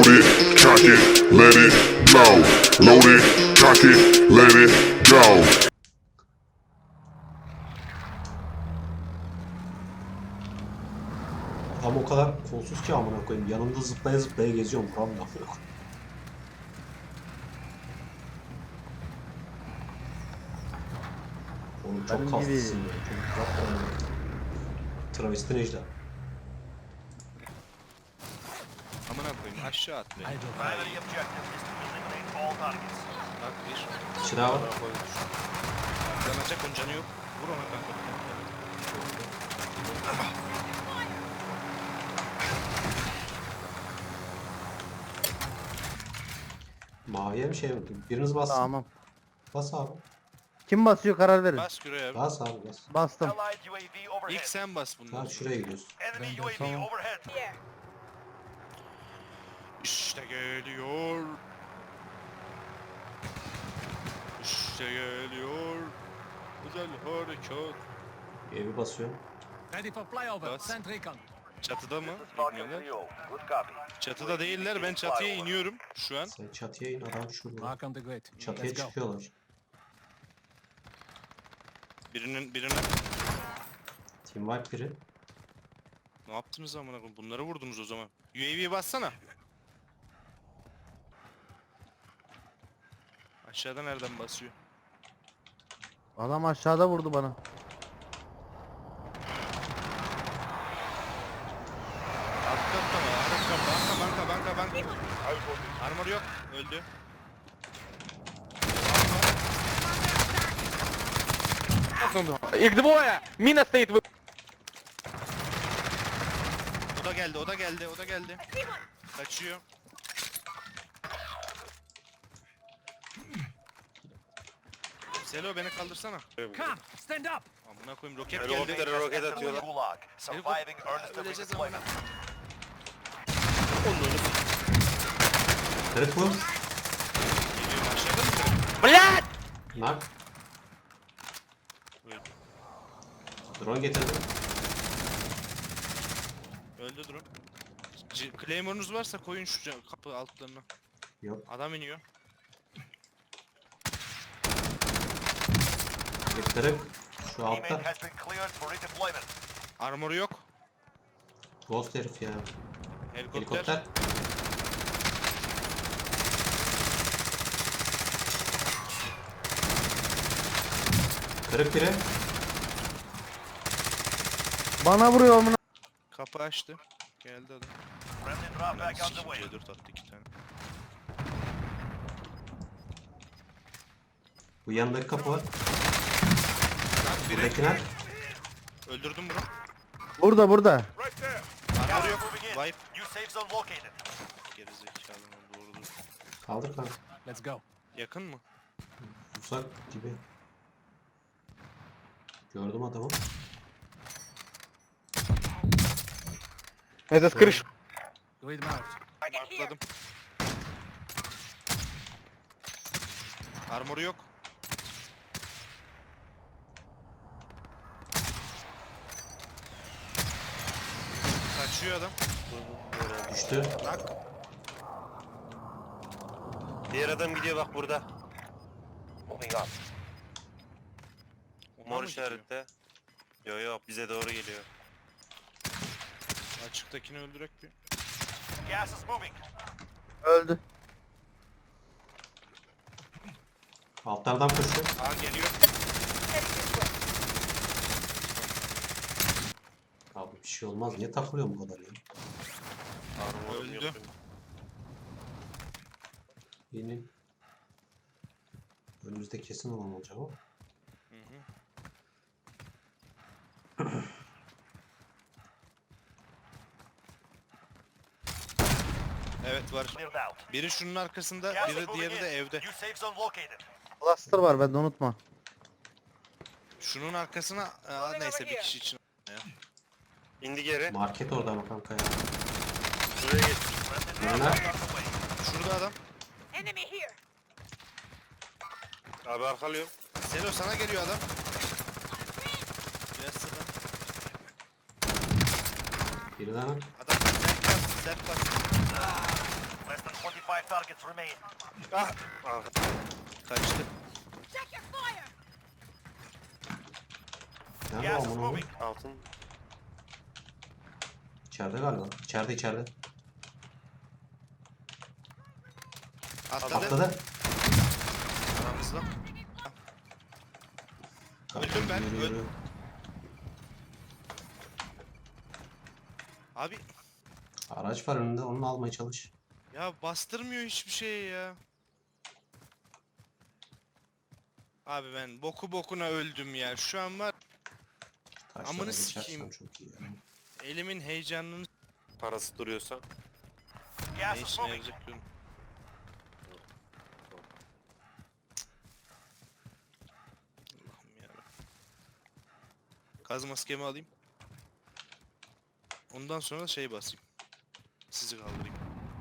Load it, cock it, let it blow. Load it, cock it, let it go. Tam o kadar kolsuz ki amına koyayım. Yanımda zıplaya zıplaya geziyorum. Vuramıyorum. Oğlum çok Benim kaslısın gibi. ya. Çok yapma. Travesti Necla. Amına koyayım aşağı at beni. Primary objective is to eliminate all targets. Bak bir. İçine var. Yanacak onun canı yok. Vur ona kanka. Maviye bir şey mi? Biriniz bassın. Tamam. Bas abi. Kim basıyor karar verin. Bas şuraya. Bas abi bas. Bastım. Allied UAV overhead. İlk sen bas bundan. Tamam şuraya gidiyoruz. Enemy UAV overhead. İşte geliyor. İşte geliyor. Güzel harekat. Evi basıyorum. Ready for flyover. Bas. Send recon. Çatıda mı? Falcon İniyorlar. 3-0. Good copy. Çatıda değiller. Ben çatıya iniyorum şu an. Sen çatıya in, adam şurada. Mark on the grid. Çatıya Let's go. çıkıyorlar. Birine Team wipe biri. ne yaptınız amına koyayım? Bunları vurdunuz o zaman. UAV bassana. Aşağıda nereden basıyor? Adam aşağıda vurdu bana. Alt katta mı? Arka banka. Armor yok. Öldü. Их двое! Мина стоит в... O da geldi. Kaçıyor. Selo beni kaldırsana. Come, stand up. Amına koyayım roket geldi. Roket atıyorlar. Gulag. Surviving earns the Öleceğiz redeployment. Kırık bu. Geliyorum aşağıda mı? Блядь! Nak. Öldü. Drone getirdim. Öldü drone. Claymore'unuz varsa koyun şu kapı altlarına. Yok. Adam iniyor. Bir kırık. Şu altta. Teammate has been cleared for redeployment. Armoru yok. Ghost herif ya. Helikopter. Helikopter. Kırık biri. Bana vuruyor amına. Kapı açtı. Geldi adam. Friendly drop back on the way. C4 attı 2 tane. Bu yanındaki kapı var. Nak biri. Buradakine. Öldürdüm bunu. Burada. Right there. Armor Gas yok. moving in. Wipe. New safe zone located. Gerizekalı doğrudur. Kaldır kanka. Let's go. Yakın mı? Uzak gibi. Gördüm adamı. Это с крыши. Grid marked. Markladım. Armoru yok. Kaçıyor adam. Düştü. Nak. Diğer adam gidiyor bak burada. Moving up. Ona Mor mı gidiyor? işarette. Yo bize doğru geliyor. Açıktakini öldürek bir. Gas is moving. Öldü. Altlardan koşuyor. Aa geliyor. Abi bir şey olmaz. Niye takılıyor bu kadar ya? Armorum Öldü. yok. Yeni. Önümüzde kesin olan olacak o. Hı hı. Evet var. Cleared out. Biri şunun arkasında, Gas is biri moving diğeri de in. evde. New safe zone located. Cluster var bende unutma. Şunun arkasına neyse bir kişi için. İndi geri. Market orada ama kanka ya. Şuraya geç. Friendly Yana. drop back on the way. Şurada adam. Enemy here. Abi arkalıyor. Selo sana geliyor adam. Biraz sıra. Biri daha. Adam sert bas. Less 5 targets remain. Ah! Kaçtı. Nerede Gas is amına koyayım? moving. Altın. İçeride galiba. İçeride. Atladı. Atladı. Aramızda. Öldüm ben, Yürü, öldüm. yürü. Abi Araç var önünde, onu almaya çalış. ya bastırmıyor hiçbir şey ya. Abi ben boku bokuna öldüm ya. Şu an var Taşlara Amını geçersem sikeyim. çok iyi ya. elimin heyecanını Parası duruyorsa. Gas ne is işine moving. yarayacak diyorum. Allah'ım yarabbim. Gaz maskemi alayım. Ondan sonra şey basayım. Sizi kaldırayım.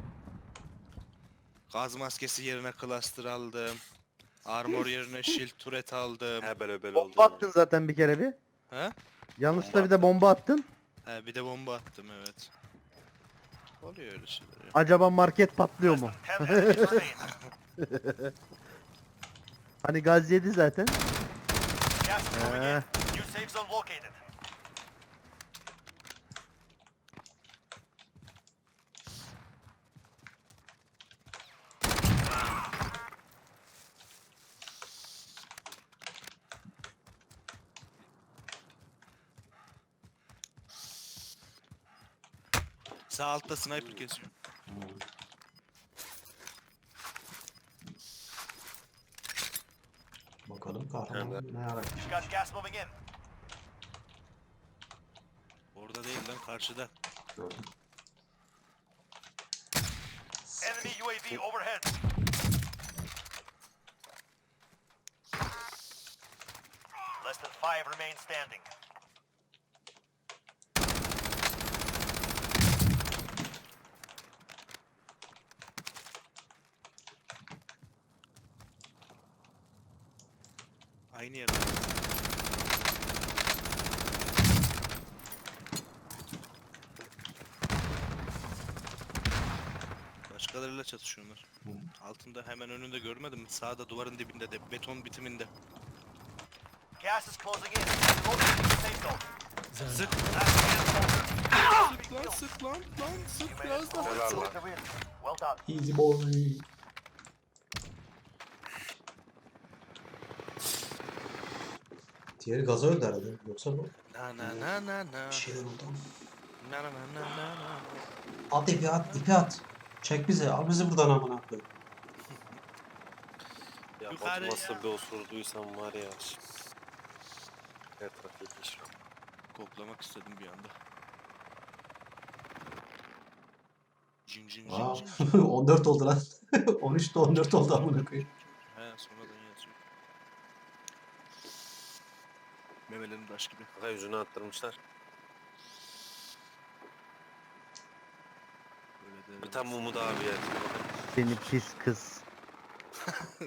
Gaz maskesi yerine cluster aldım. Armor yerine shield turret aldım. He böyle oldu. Bomba attın zaten bir kere bir. He? Yanlışlıkla bir de bomba attın. He bir de bomba attım evet. Oluyor öyle şeyler ya. Acaba market patlıyor mu? 10 enemies remain. Hani gaz yedi zaten. Gas is moving in. Eh. New safe zone located. Sağ altta sniper kesiyor. Bakalım kahraman ne yarar. Got gas moving in. Orada değil lan karşıda. Gördüm. Enemy UAV overhead. Less than 5 remain standing. Aynı yerde. Başkalarıyla çatışıyorlar. Altında hemen önünde görmedim mi? Sağda duvarın dibinde de beton bitiminde. Gas is closing in. Locating the safe zone. Sık Last man standing. sık lan sık You made it. Helal lan. To win. Well done. Easy boy. Diğeri gaza öldü herhalde. Yoksa bu Na na na na na. bir şeyler oldu. Na na na na na na. At ipi at, ipi at. Çek bizi, al bizi buradan amına koyayım. Ya Yukarı Batu nasıl ya. bir osurduysam var ya. Her taraf yetmiş. Koklamak istedim bir anda. Cin cin cin Aa, cin cin. 14 oldu lan. 13'te 14 oldu amına koyayım. He sonradan yazıyor. Memelerim taş gibi. Bak yüzünü attırmışlar. Böyle de Bir tane Umut abi ya. Seni pis kız.